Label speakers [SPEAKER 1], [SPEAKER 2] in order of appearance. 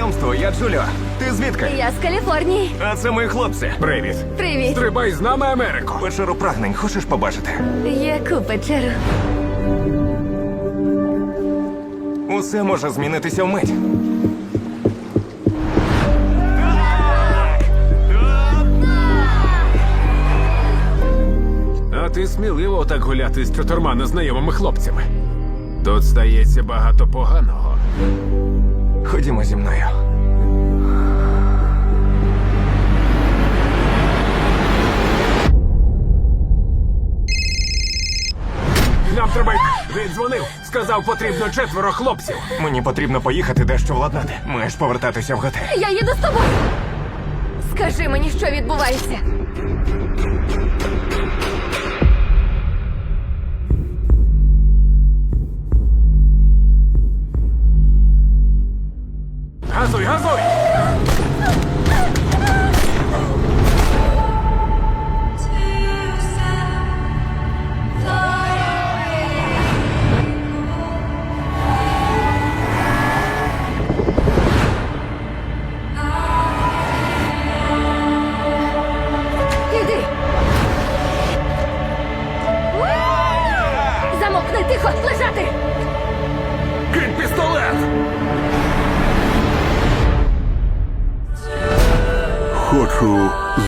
[SPEAKER 1] знайомство, я Джуліо. Ти звідки?
[SPEAKER 2] Я з Каліфорнії.
[SPEAKER 1] А це мої хлопці.
[SPEAKER 3] Привіт.
[SPEAKER 2] Привіт.
[SPEAKER 3] Стрибай з нами Америку.
[SPEAKER 1] Печеру прагнень, хочеш побачити?
[SPEAKER 2] Яку печеру?
[SPEAKER 1] Усе може змінитися вмить.
[SPEAKER 3] А ти сміливо так гуляти з 4 незнайомими хлопцями. Тут стається багато поганого.
[SPEAKER 1] Ходімо зі мною.
[SPEAKER 3] Нам треба йти. Він дзвонив. Сказав, потрібно 4 хлопців.
[SPEAKER 1] Мені потрібно поїхати дещо владнати. Маєш повертатися в готель.
[SPEAKER 2] Я їду з тобою. Скажи мені, що відбувається.
[SPEAKER 3] Газуй, газуй!
[SPEAKER 2] Іди. Замовкни, тихо, лежати.
[SPEAKER 3] Кинь пістолет!
[SPEAKER 4] Хочу